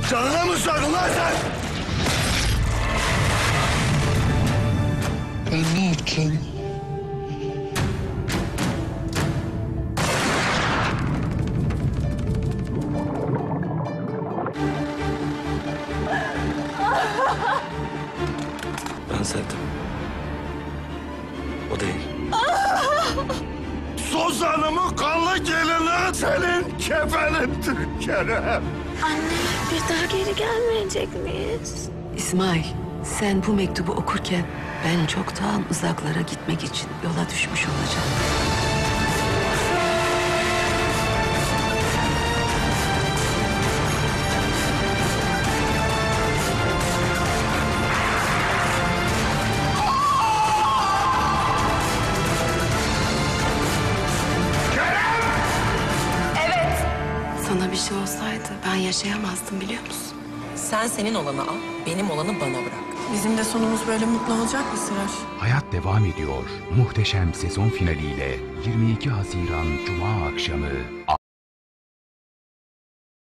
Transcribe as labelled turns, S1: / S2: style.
S1: Canına mı sordun lan sen? Ben ne yapacağım?
S2: Ben sevdim. O değil.
S1: Suzan'ımın kanlı gelini senin kefenindir Kerem.
S3: Anne, bir daha geri gelmeyecek miyiz?
S4: İsmail, sen bu mektubu okurken ben çoktan uzaklara gitmek için yola düşmüş olacağım. Sana bir şey olsaydı ben yaşayamazdım biliyor musun?
S5: Sen senin olanı al, benim olanı bana bırak.
S6: Bizim de sonumuz böyle mutlu olacak mı Sıraş?
S7: Hayat devam ediyor. Muhteşem sezon finaliyle 22 Haziran Cuma akşamı